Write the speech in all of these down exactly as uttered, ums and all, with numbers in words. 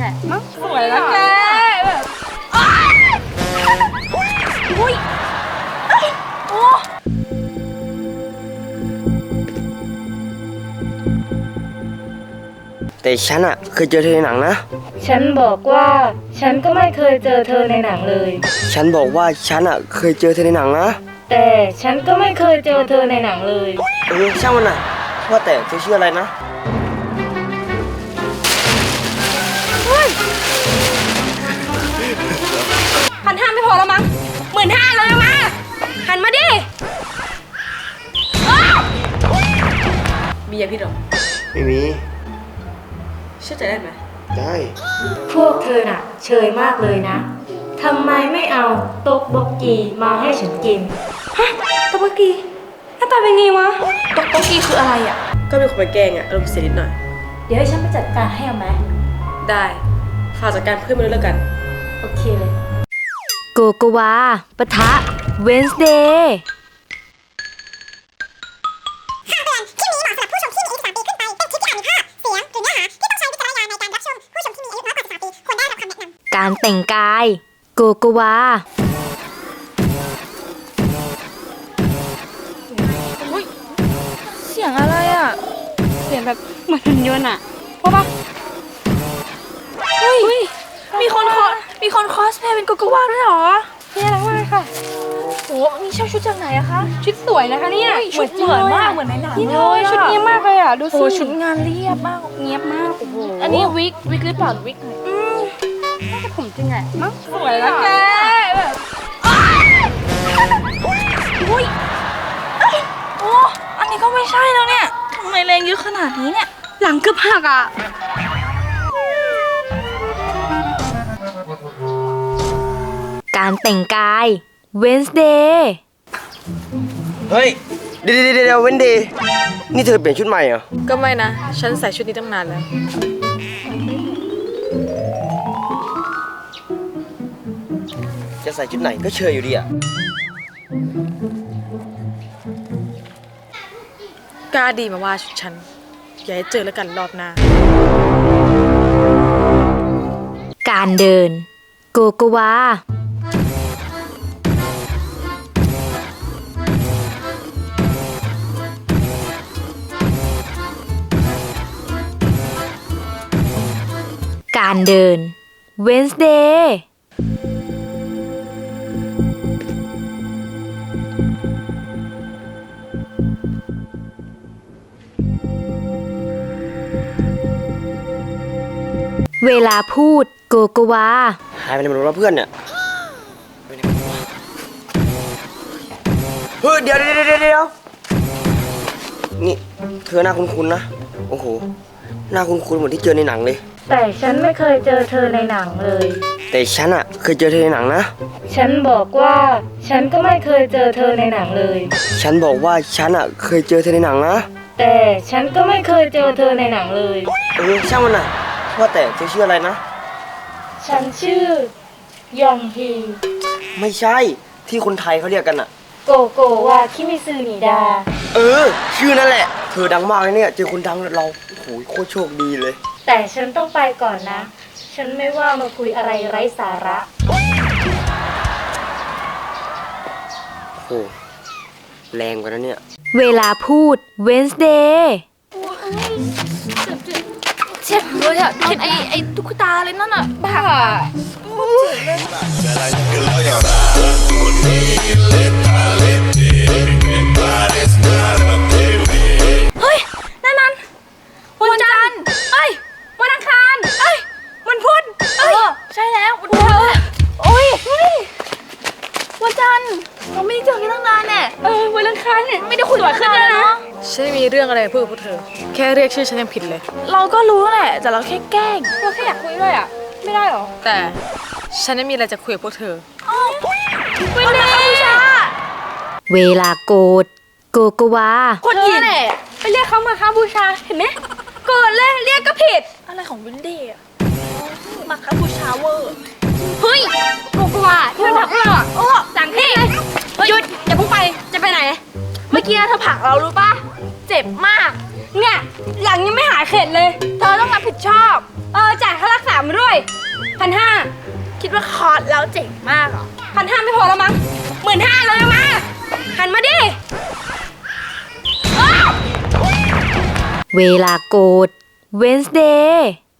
มั้งสวยแล้วแกแบบอุ้ยโอ้แต่ฉันอะเคยเจอเธอในหนังนะฉันบอกว่าฉันก็ไม่เคยเจอเธอในหนังเลยฉันบอกว่าฉันอะเคยเจอเธอในหนังนะแต่ฉันก็ไม่เคยเจอเธอในหนังเลยเออช่างมันน่ะว่าแต่เธอชื่ออะไรนะพันห้าไม่พอแล้วมั้งหมื่นห้าเลยมาหันมาดิมียาพิษหรอไม่มีเชื่อใจได้ไหมได้พวกเธอน่ะเชยมากเลยนะทำไมไม่เอาต๊กบกกีมาให้ฉันกินฮะต๊กบกกีหน้าตาเป็นไงวะต๊กบกกีคืออะไรอ่ะก็เป็นคนไปแกงอ่ะอารมณ์เสียนิดหน่อยเดี๋ยวให้ฉันไปจัดการให้เอาไหมได้ฝากจัดการเพื่อนมาด้วยแล้วกันโอเคเลยโกโกวาปะทะเวนส์เดย์คำเตือนคลิปนี้เหมาะสำหรับผู้ชมที่มีอายุสิบสามปีขึ้นไป เป็นคลิปที่อาจมีภาพ เสียง หรือเนื้อหาที่ต้องใช้วิจารณญาณในการรับชม ผู้ชมที่มีอายุน้อยกว่าสิบสามปีควรได้รับคำแนะนำการแต่งกายโกโกวาเสียงอะไรอ่ะเสียงแบบเหมือนหุ่นยนต์อ่ะเพราะปะเฮ้ยมีคนคอมีคนคอสเพลย์เป็นโกโกวาด้วยเหรอนี่น่ารักมากค่ะโอ้นี่เช่าชุดจากไหนอะคะชุดสวยนะคะเนี่ยชุดเหมือนมากเหมือนในหนังเลยชุดเนี้ยมากเลยอะดูสิชุดงานเรียบมากเนี้ยบมากโอ้โหอันนี้วิกวิกหรือเปล่าวิกอืมน่าจะผมจริงไงมั้งสวยแล้วแกแบบอุ้ยโอ้อันนี้ก็ไม่ใช่แล้วเนี่ยทำไมแรงเยอะขนาดนี้เนี่ยหลังเกือบหักอะการแต่งกายเวนส์เดย์เฮ้ยเดี๋ยวเดี๋ยวเดี๋ยวเวนดี้นี่เธอเปลี่ยนชุดใหม่เหรอก็ไม่นะฉันใส่ชุดนี้ตั้งนานแล้วจะใส่ชุดไหนก็เชยอยู่ดีอะกล้าดีมาว่าชุดฉันอย่าให้เจอแล้วกันรอบหน้าการเดินโกโกวาการเดินเวนส์เดย์เวลาพูดโกโกวาหายไปไหนหมดแล้วเพื่อนเนี่ยเฮ้ยเดี๋ยวเดี๋ยวเดี๋ยวเดี๋ยวนี่เธอหน้าคุ้นๆนะโอ้โหหน้าคุ้นๆเหมือนที่เจอในหนังเลยแต่ฉันไม่เคยเจอเธอในหนังเลยแต่ฉันอะเคยเจอเธอในหนังนะฉันบอกว่าฉันก็ไม่เคยเจอเธอในหนังเลยฉันบอกว่าฉันอะเคยเจอเธอในหนังนะแต่ฉันก็ไม่เคยเจอเธอในหนังเลยเออช่างมันน่ะว่าแต่เธอชื่ออะไรนะฉันชื่อยองฮีไม่ใช่ที่คนไทยเขาเรียกกันอะโกโกวาคิมิซึนิดาเออชื่อนั่นแหละเธอดังมากเลยเนี่ยเจอคนดังเราโอ้โหโคตรโชคดีเลยแต่ฉันต้องไปก่อนนะฉันไม่ว่ามาคุยอะไรไร้สาระโอ้แรงกว่านั้นเนี่ยเวลาพูดเวนส์เดย์เจ็บเลยอะเห็นไอ้ไอ้ตุ๊กตาเลยนั่นอะบ้าเฮ้ยนั่นนั่นวันจันทร์เอ้ยวันอังคารเอ้ยวันพุธเอ้ยใช่แล้ววันพุธโอ้ยวันจันทร์เราไม่ได้เจอกันตั้งนานแน่เออวันอังคารเนี่ยไม่ได้คุยกันนานแล้วนะฉันมีเรื่องอะไรพูดกับพวกเธอแค่เรียกชื่อฉันยังผิดเลยเราก็รู้แหละแต่เราแค่แกล้งเราแค่อยากคุยด้วยอ่ะไม่ได้หรอแต่ฉันไม่มีอะไรจะคุยกับพวกเธอวินเดย์เวลาโกรธโกโกวาคนยินไปเรียกเขามาค้าบูชาเห็นไหมโกรธเลยเรียกก็ผิดอะไรของวินเดย์อะมาค้าบูชาเวอร์เฮ้ยโกโกวาที่มันผลักเราอ่ะโอ้จังที่หยุดอย่าพุ่งไปจะไปไหนเมื่อกี้เธอผลักเรารู้ป่ะเจ็บมากเนี่ยหลังยังไม่หายเข็ดเลยเธอต้องรับผิดชอบเออจ่ายค่ารักษามาด้วยร่พันห้าคิดว่าคอร์สแล้วเจ๋งมากเหรอพันห้าไม่พอแล้วมั้งหมื่นห้าเลยมาหันมาดิอ้าวเวลาโกรธ Wednesday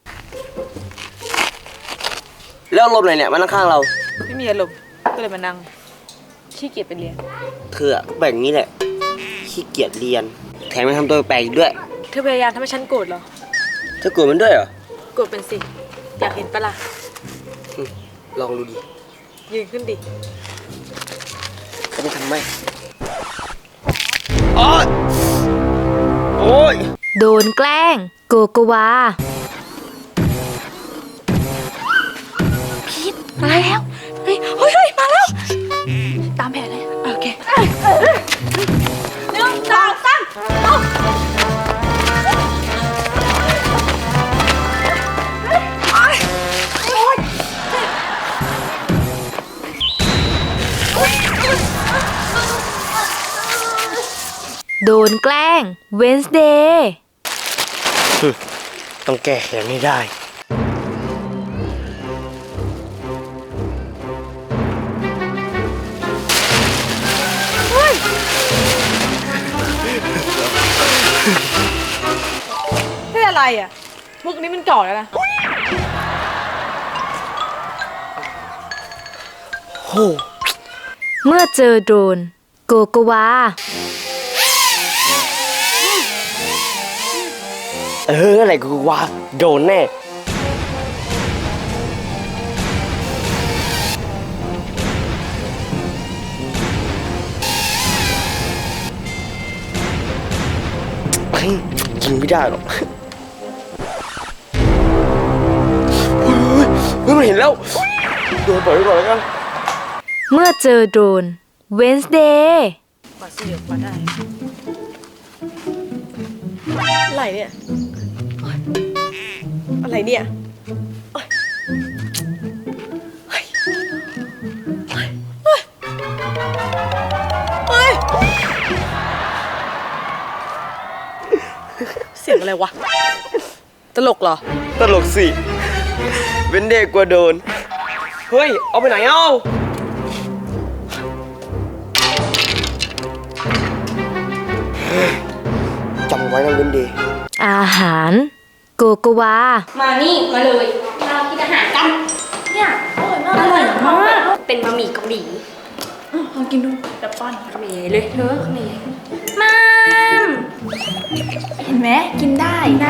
แล้วลมอะไรเนี่ยมานั่งข้างเราไม่มีอารมณ์ก็เลยมานั่งขี้เกียจไปเรียนเธออะแบบนี้แหละขี้เกียจเรียนแถมยังทำตัวแปลกอีกด้วยเธอพยายามทำให้ฉันโกรธเหรอเธอโกรธมันด้วยเหรอโกรธเป็นสิ อยากเห็นปะล่ะอืมลองดูดิยืนขึ้นดิเขาจะทำไหมโอ๊ยโอ๊ยโดนแกล้ง โกโกวามาแล้วเฮ้ยเฮ้ยเฮ้ยมาแล้ว ตามแผนเลยโอเคหนึ่งสองสามเอาโดนแกล้ง Wednesday ต้องแก้แค้นให้ได้ไม่อะไรอ่ะ มุกนี้มันก่อนแล้วนะโหเมื่อเจอโดน โกโกวาเอออะไรกูว่าโดนแน่เฮ้ยกินไม่ได้หรอกเฮ้ยเฮ้ยเฮ้ยมันเห็นแล้วโดนปล่อยไว้ก่อนแล้วกันเมื่อเจอโดน Wednesday มาสิเดี๋ยวมาได้อะไรเนี่ยโอ๊ยอะไรเนี่ยโอ๊ยเฮ้ยเฮ้ยเฮ้ยเฮ้ยเสียงอะไรวะ ตลกเหรอตลกสิเว้นเด็กกว่าโดน เฮ้ย เอาไปไหนเอ้าเฮ้ยจำไว้นะเว้นเดย์อาหาร โกโกวามานี่มาเลยมากินอาหารกันเนี่ยอร่อยมากอร่อยมากเป็นบะหมี่เกาหลีลองกินดูดับปั้นเขมรเลยเธอเขมรมาม เห็นไหมกินได้ได้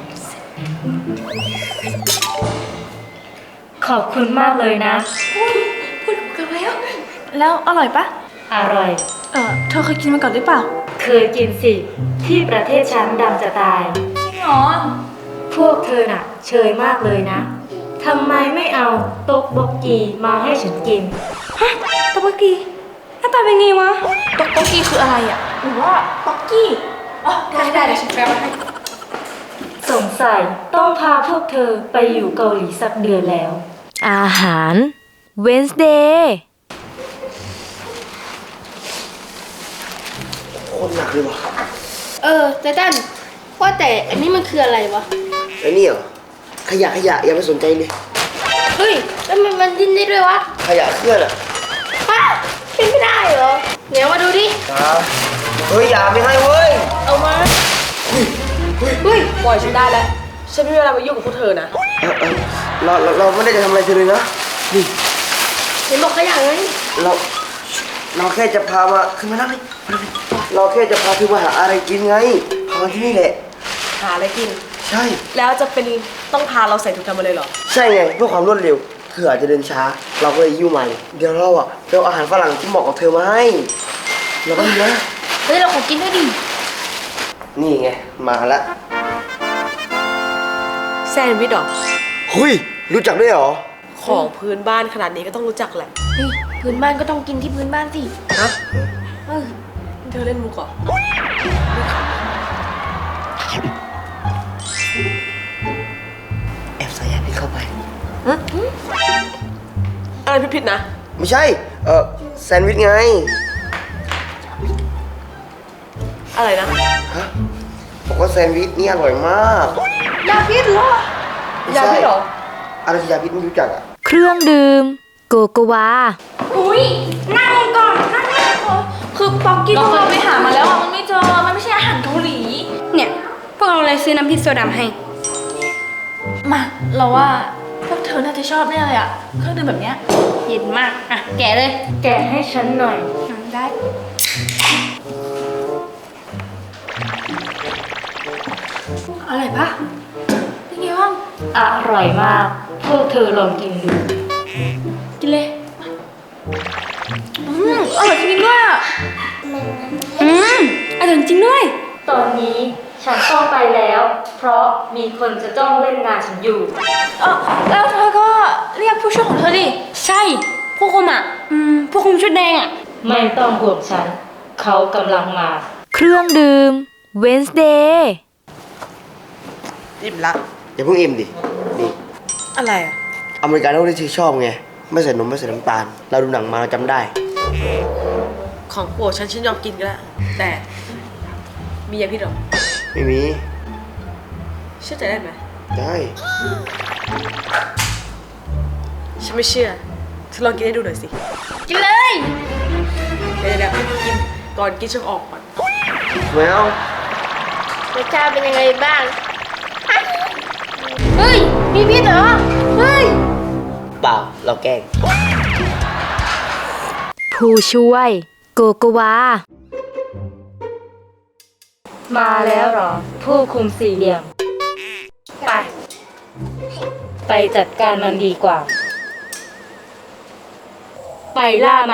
ขอบคุณมากเลยนะพูดกันแล้ว แล้วอร่อยปะอร่อยเออเธอเคยกินมาก่อนหรือเปล่าเคยกินสิ ที่ประเทศฉันดำจะตายจริงเหรอพวกเธอน่ะ เชยมากเลยนะ ทำไมไม่เอาต๊กบกกีมาให้ฉันกินฮะต๊อกบกกี้หน้าตาเป็นไงวะต๊อกบกกี้คืออะไรอ่ะหรือว่าต๊อกกี้อ๋อได้ได้เดี๋ยวฉันแปลมาให้สงสัยต้องพาพวกเธอไปอยู่เกาหลีสักเดือนแล้วอาหาร Wednesday โคตรหนักเลยว่ะเออไตตันว่าแต่อันนี้มันคืออะไรวะไอ้นี่เหรอ ขยะขยะอย่าไปสนใจเลยเฮ้ยแล้วมันมันดิ้นได้ด้วยวะขยะเคลื่อนอ่ะฮะเป็นไม่ได้เหรอเดี๋ยวมาดูดิอ่าเฮ้ย อย่าไม่ให้เว้ยเอามาเฮ้ย ปล่อยฉันได้แล้ว ฉันไม่มีเวลามายุ่งกับพวกเธอนะเออเออเราเราเราไม่ได้จะทำอะไรเธอเลยนะ นี่เห็นบอกขยะไงเรา เราแค่จะพามาขึ้นมานั่งเลยมานั่งเลยเราแค่จะพาเธอมาหาอะไรกินไง พามาที่นี่แหละหาอะไรกินใช่แล้วจะเป็นต้องพาเราใส่ถุงดำมาเลยเหรอใช่ไงเพื่อความรวดเร็ว เธออาจจะเดินช้า เราก็เลยยิ้วมาเลยเดี๋ยวเราอ่ะไปเอาอาหารฝรั่งที่เหมาะกับเธอมาให้เราก็ดีนะเฮ้ยเราขอกินด้วยดินี่ไง มาละแซนด์วิชเหรอหุยรู้จักด้วยเหรอของพื้นบ้านขนาดนี้ก็ต้องรู้จักแหละเฮ้ยพื้นบ้านก็ต้องกินที่พื้นบ้านสิฮะเออเธอเล่นมุกเหรอแอบใส่ยาพิษเข้าไปอะไรผิดๆนะไม่ใช่ เออแซนด์วิชไงอะไรนะฮะ บอกว่าแซนด์วิชนี่อร่อยมากยาพิษเหรอไม่ยาใช่พิษเหรออะไรที่ยาพิษไม่รู้จักอ่ะเครื่องดื่ม โกโกวาอุ้ยนั่งก่อนนั่งก่อนคือป๊อกกี้พวกเราไปหามาแล้วอะมันไม่เจอมันไม่ใช่อาหารเกาหลีเนี่ยพวกเราเลยซื้อน้ำพริกโซดาให้มาเราว่าพวกเธอน่าจะชอบแน่เลยอะเครื่องดื่มแบบเนี้ยเย็นมากอะแกะเลยแกะให้ฉันหน่อยได้อร่อยปะเป็นไงบ้างอร่อยมาก พวกเธอลองกินดูกินเลยอืมอร่อยจริงๆด้วยอะอืมอร่อยจริงด้วยตอนนี้ฉันต้องไปแล้ว เพราะมีคนจะต้องเล่นงานฉันอยู่เออแล้วเธอก็เรียกผู้ช่วยของเธอดิ ใช่ผู้คุมอ่ะ อืมผู้คุมชุดแดงอ่ะไม่ต้องห่วงฉัน เขากำลังมาเครื่องดื่ม Wednesday อิ่มละอย่าเพิ่งอิ่มดิ นี่อะไรอ่ะอเมริกาโน่ที่เธอชอบไง ไม่ใส่นมไม่ใส่น้ำตาล เราดูหนังมาเราจำได้ของโปรดฉันฉันยอมกินก็ได้แต่มียาพิษเหรอไม่มีเชื่อใจได้ไหมได้ฉันไม่เชื่อเธอลองกินให้ดูหน่อยสิกินเลยเดี๋ยวเดี๋ยวกินก่อนกินฉันออกก่อนไม่เอารสชาติเป็นยังไงบ้าง เฮ้ย มีพิษเหรอ เฮ้ยเปล่า เราแกล้งผู้ช่วย โกโกวามาแล้วเหรอ ผู้คุมสี่เหลี่ยม ไป ไปจัดการมันดีกว่า ไปล่ามัน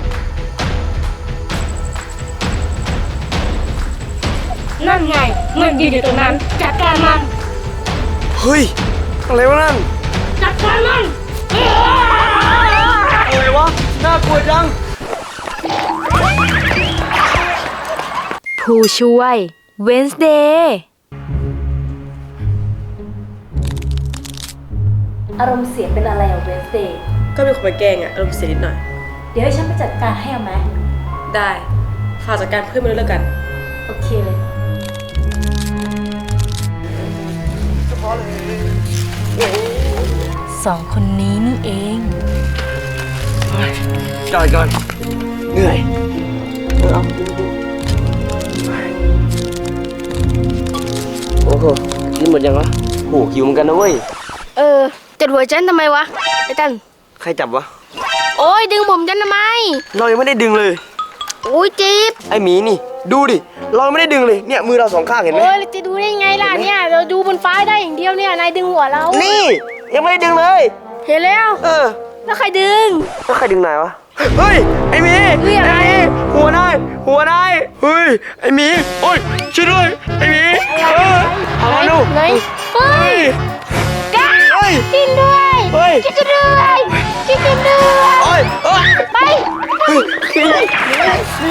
นั่นไง มันยืนอยู่ตรงนั้น จัดการมันเฮ้ย อะไรวะนั่นจัดการมันอะไรวะ น่ากลัวจังผู้ช่วย Wednesday อารมณ์เสียเป็นอะไรอะเวนสเดย์ก็มีคนมาแกล้งอ่ะอารมณ์เสียนิดหน่อยเดี๋ยวให้ฉันไปจัดการให้เอาไหมได้ฝากจัดการเพื่อนมาด้วยแล้วกันโอเคเลยสองคนนี้นี่เองจอดก่อน เหนื่อยเออเอาโอ้โห กินหมดยังวะโหหิวเหมือนกันนะเว้ยเออจัดหัวฉันทำไมวะ ไอ้ตันใครจับวะโอ้ยดึงผมฉันทำไมเรายังไม่ได้ดึงเลยโอ้ยจี๊บไอหมีนี่ ดูดิ เรายังไม่ได้ดึงเลย เนี่ยมือเราสองข้างเห็นไหมโอ้ยจะดูได้ไงล่ะเนี่ย เราดูบนฟ้าได้อย่างเดียวเนี่ย นายดึงหัวเรานี่ ยังไม่ได้ดึงเลยเห็นแล้วเออแล้วใครดึงแล้วใครดึงนายวะ เฮ้ย ไอหมีเฮ้ยอะไรไอ้หมีหัวนาย หัวนาย เฮ้ย ไอหมี โอ้ย ช่วยด้วย ไอหมีเออเอามาดูไหนเฮ้เฮ้ยยก้าเฮ้ยกินด้วยเฮ้ยกินด้วยกินด้วยโอ้ยเอ้ยไปเฮ้ย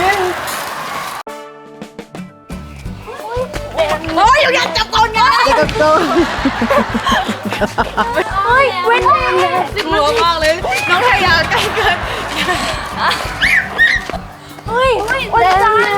โอ้ยอย่าจับก่อนนะจับก่อนโอ้ยเว้นสิบกลัวมากเลย น้องทายาใกล้เกินเฮ้ยวันจันทร์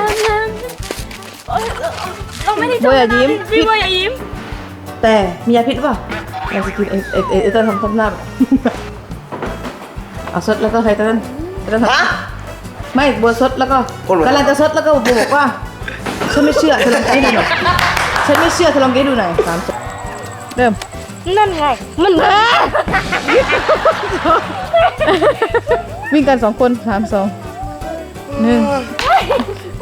เราไม่ได้โบอย่ายิ้มพี่โบอย่ายิ้มแต่มียาพิษป่ะเราจะกินเอเอเอเอเต้นทำทำหน้าแบบเอาซดแล้วก็ใครเต้นเต้นทฮะำไม่บัวซดแล้วก็คนเหมือนกำลังจะซดแล้วก็บัวบอกว่าฉันไม่เชื่อเธอลองกินให้ดูหน่อยฉันไม่เชื่อเธอลองกินให้ดูหน่อยสามสองเริ่มนั่นไง มันมาวิ่งกันสองคนสามสองหนึ่ง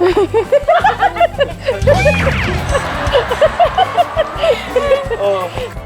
โอ้